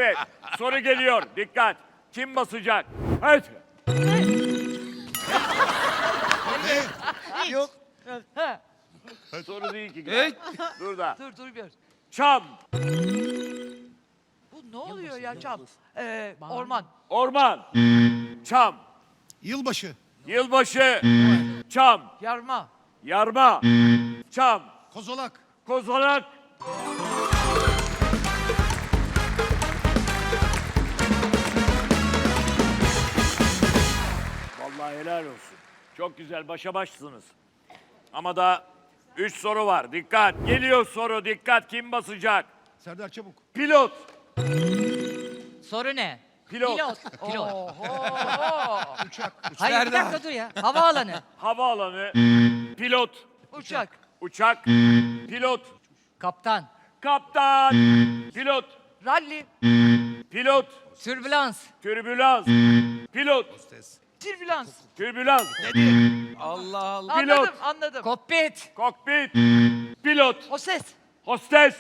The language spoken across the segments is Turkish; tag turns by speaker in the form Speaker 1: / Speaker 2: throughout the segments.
Speaker 1: Evet, soru geliyor. Dikkat. Kim basacak? Evet.
Speaker 2: Yok.
Speaker 1: Soru değil ki.
Speaker 3: Hey.
Speaker 1: Dur da.
Speaker 4: Dur bir.
Speaker 1: Çam,
Speaker 4: Bu ne oluyor ya Çam? Orman.
Speaker 1: orman, çam,
Speaker 2: Yılbaşı.
Speaker 1: yılbaşı, çam,
Speaker 4: Yarma.
Speaker 1: yarma, çam,
Speaker 2: Kozolak.
Speaker 1: kozalak. Vallahi helal olsun. Çok güzel, başa başsınız. Ama daha 3 soru var. Dikkat. Geliyor soru. Dikkat. Kim basacak?
Speaker 2: Serdar Çabuk.
Speaker 1: Pilot.
Speaker 5: Soru ne?
Speaker 1: Pilot.
Speaker 5: Pilot.
Speaker 2: Uçak.
Speaker 5: Hayır bir dakika dur ya. Havaalanı.
Speaker 1: Havaalanı. Pilot.
Speaker 4: Uçak.
Speaker 1: Uçak. Pilot.
Speaker 5: Kaptan.
Speaker 1: Kaptan. Pilot.
Speaker 4: Ralli.
Speaker 1: Pilot.
Speaker 5: Türbülans.
Speaker 1: Türbülans. Pilot.
Speaker 4: Türbülans.
Speaker 1: Türbülans.
Speaker 3: Allah Allah.
Speaker 1: Pilot.
Speaker 4: Anladım.
Speaker 5: Kokpit.
Speaker 1: Kokpit. Pilot.
Speaker 4: O ses.
Speaker 1: Hostes.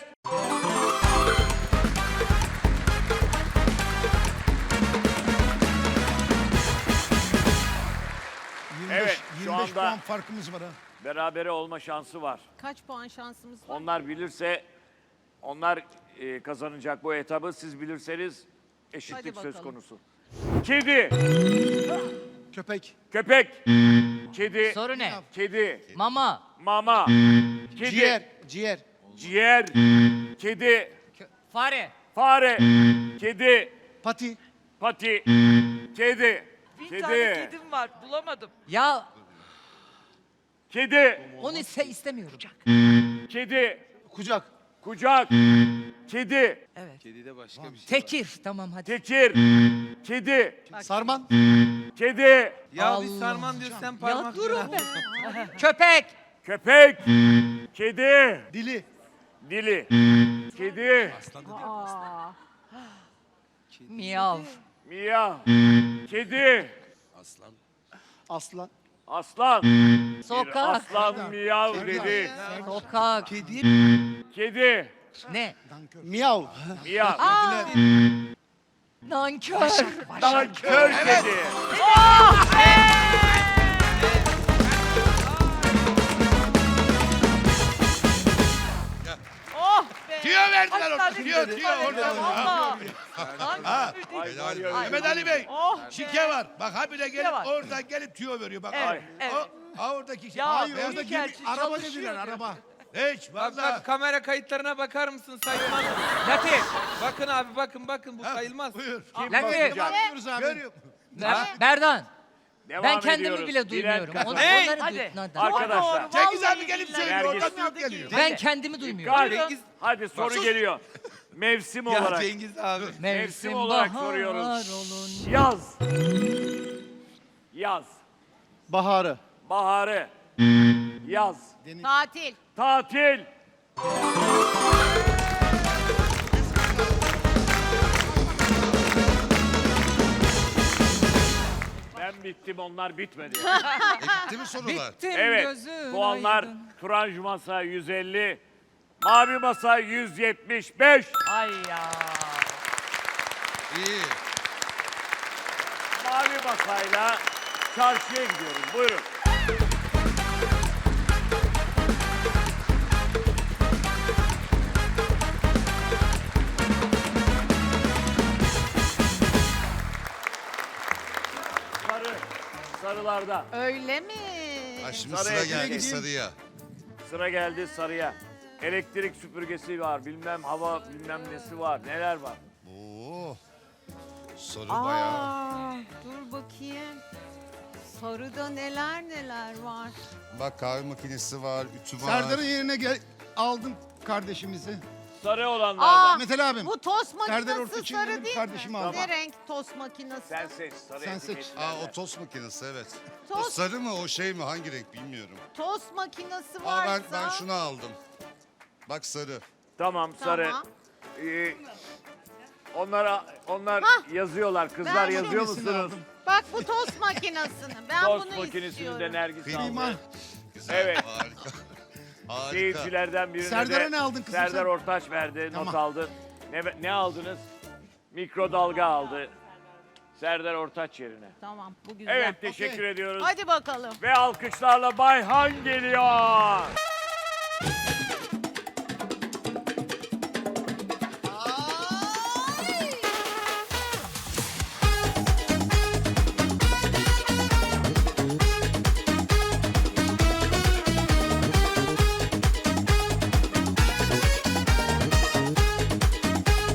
Speaker 1: Evet, şu
Speaker 2: 25
Speaker 1: anda-
Speaker 2: puan farkımız var ha.
Speaker 1: Berabere olma şansı var.
Speaker 6: Kaç puan şansımız var?
Speaker 1: Onlar bilirse onlar kazanacak bu etabı. Siz bilirseniz eşitlik
Speaker 6: Hadi
Speaker 1: söz
Speaker 6: bakalım.
Speaker 1: konusu. Kedi,
Speaker 2: Köpek.
Speaker 1: köpek, kedi,
Speaker 5: Soru ne?
Speaker 1: kedi,
Speaker 5: Mama.
Speaker 1: mama, kedi,
Speaker 2: Ciğer. Ciğer.
Speaker 1: ciğer, kedi,
Speaker 5: Fare.
Speaker 1: fare, kedi,
Speaker 2: Pati.
Speaker 1: pati, kedi,
Speaker 4: Bir tane kedim var. Bulamadım.
Speaker 5: Ya
Speaker 1: kedi,
Speaker 5: onu istemiyorum.
Speaker 1: kedi,
Speaker 2: Kucak.
Speaker 1: kucak, kedi,
Speaker 4: Evet.
Speaker 3: Kedide başka bir şey var.
Speaker 5: Tekir. Tamam hadi.
Speaker 1: tekir, kedi,
Speaker 2: Sarman.
Speaker 1: kedi,
Speaker 3: Ya bir
Speaker 5: Allah.
Speaker 3: sarman diyor sen parmak
Speaker 4: durun
Speaker 3: diyor.
Speaker 5: Köpek.
Speaker 1: köpek, kedi,
Speaker 2: Dili.
Speaker 1: dili, kedi,
Speaker 6: Aa,
Speaker 5: Miyav.
Speaker 1: miyav, kedi,
Speaker 2: Aslan.
Speaker 1: aslan, bir
Speaker 5: Sokak.
Speaker 1: aslan miyav dedi,
Speaker 5: Sokak.
Speaker 3: Kedi.
Speaker 1: kedi,
Speaker 5: Ne?
Speaker 2: Miyav.
Speaker 1: miyav,
Speaker 5: Nankör.
Speaker 1: nankör kedi.
Speaker 4: Oh be.
Speaker 7: Tüyo verdiler orada.
Speaker 4: Hastanede
Speaker 7: Tüyo,
Speaker 4: bir
Speaker 7: tüyo
Speaker 4: tane
Speaker 7: orada.
Speaker 4: valla.
Speaker 7: Ha.
Speaker 1: Ay, var ya,
Speaker 7: Mehmet Ali Bey.
Speaker 4: Oh be.
Speaker 7: Şike var. Bak habire gelip
Speaker 4: var.
Speaker 7: oradan gelip tüyo veriyor. Bak.
Speaker 4: Evet, evet.
Speaker 7: Oradaki şey.
Speaker 4: Ya,
Speaker 7: Hayır,
Speaker 4: büyük
Speaker 7: orada
Speaker 4: elçi
Speaker 2: Araba
Speaker 4: çalışıyor
Speaker 2: dediler
Speaker 4: diyor.
Speaker 2: araba.
Speaker 7: hiç
Speaker 3: Bak
Speaker 7: valla.
Speaker 3: bak kamera kayıtlarına bakar mısın sayılmaz. Latif. Bakın abi bakın bu sayılmaz.
Speaker 7: Buyur.
Speaker 1: Kim
Speaker 5: Latif.
Speaker 1: basacak?
Speaker 2: Bakıyoruz abi.
Speaker 7: Görüyor.
Speaker 5: Berdan.
Speaker 1: Devam
Speaker 5: Ben kendimi
Speaker 1: ediyoruz.
Speaker 5: bile
Speaker 1: Bilen
Speaker 5: duymuyorum.
Speaker 1: kazanır.
Speaker 5: Onları
Speaker 4: Hadi.
Speaker 5: Hadi.
Speaker 1: Arkadaşlar.
Speaker 4: Doğru,
Speaker 7: Cengiz
Speaker 4: vallahi
Speaker 7: abi gelip
Speaker 4: billahi.
Speaker 7: söylüyor. Oradan
Speaker 1: Nergis.
Speaker 7: tüyo geliyor.
Speaker 5: Ben kendimi duymuyorum.
Speaker 1: Dikkat.
Speaker 3: Cengiz-
Speaker 1: Hadi soru geliyor. Mevsim
Speaker 3: Ya
Speaker 1: olarak.
Speaker 3: Cengiz abi.
Speaker 1: Mevsim olarak
Speaker 5: bahar
Speaker 1: soruyoruz.
Speaker 5: olun.
Speaker 1: Yaz. Yaz.
Speaker 2: Baharı.
Speaker 1: Baharı. Yaz.
Speaker 6: tatil.
Speaker 1: Tatil. Ben bittim, onlar bitmedi.
Speaker 7: Bitti mi sorular?
Speaker 5: Bittim
Speaker 1: Evet,
Speaker 5: gözün
Speaker 1: puanlar
Speaker 5: aydın.
Speaker 1: Turanj Masa 150, Mavi Masa 175.
Speaker 4: Ay ya.
Speaker 7: İyi.
Speaker 1: Mavi Masa'yla çarşıya gidiyoruz. Buyurun. Sarı, sarılarda.
Speaker 6: Öyle mi?
Speaker 7: Ha, şimdi
Speaker 1: Sarıya
Speaker 7: sıra geldi
Speaker 1: gideyim.
Speaker 7: sarıya.
Speaker 1: Sıra geldi sarıya. Elektrik süpürgesi var, bilmem hava bilmem nesi var, neler var.
Speaker 7: Oo. Soru bayağı.
Speaker 6: Aa, dur bakayım. Sarıda neler neler var.
Speaker 7: Bak kahve makinesi var, ütü var.
Speaker 2: Serdar'ın yerine aldım kardeşimizi.
Speaker 1: Sarı olanlardan.
Speaker 2: Mehmet abim.
Speaker 6: Bu tost
Speaker 2: Serdar
Speaker 6: makinesi
Speaker 2: Ortaç'ın
Speaker 6: sarı
Speaker 2: yerine
Speaker 6: değil
Speaker 2: kardeşimi
Speaker 6: mi?
Speaker 2: aldım.
Speaker 6: Ne renk tost makinesi?
Speaker 1: Sen seç, sarı
Speaker 2: Sen seç.
Speaker 1: etiketlerle.
Speaker 7: Aa o tost makinesi evet. O
Speaker 6: Tost-
Speaker 7: sarı mı o şey mi hangi renk bilmiyorum.
Speaker 6: Tost makinesi
Speaker 7: Aa
Speaker 6: varsa...
Speaker 7: ben şunu aldım. Bak sarı.
Speaker 1: Tamam, sarı.
Speaker 6: Tamam.
Speaker 1: Onlar yazıyorlar. Kızlar
Speaker 6: Ben
Speaker 1: yazıyor
Speaker 2: birisini
Speaker 1: musunuz?
Speaker 2: aldım.
Speaker 6: Bak bu tost makinesini. Ben
Speaker 1: Tost
Speaker 6: bunu
Speaker 1: makinesini
Speaker 6: istiyorum.
Speaker 1: de Nergis
Speaker 2: Prima.
Speaker 1: aldı.
Speaker 7: Güzel.
Speaker 1: Evet.
Speaker 7: Harika. Harika.
Speaker 1: Seyircilerden birine
Speaker 2: Serdar'a
Speaker 1: de
Speaker 2: ne aldın kızım
Speaker 1: Serdar
Speaker 2: sen?
Speaker 1: Ortaç verdi, not
Speaker 2: Tamam.
Speaker 1: aldı. Ne aldınız? Mikrodalga aldı. Serdar Ortaç yerine.
Speaker 6: Tamam bu güzel.
Speaker 1: Evet, teşekkür ediyoruz.
Speaker 6: Hadi bakalım.
Speaker 1: Ve alkışlarla Bayhan geliyor.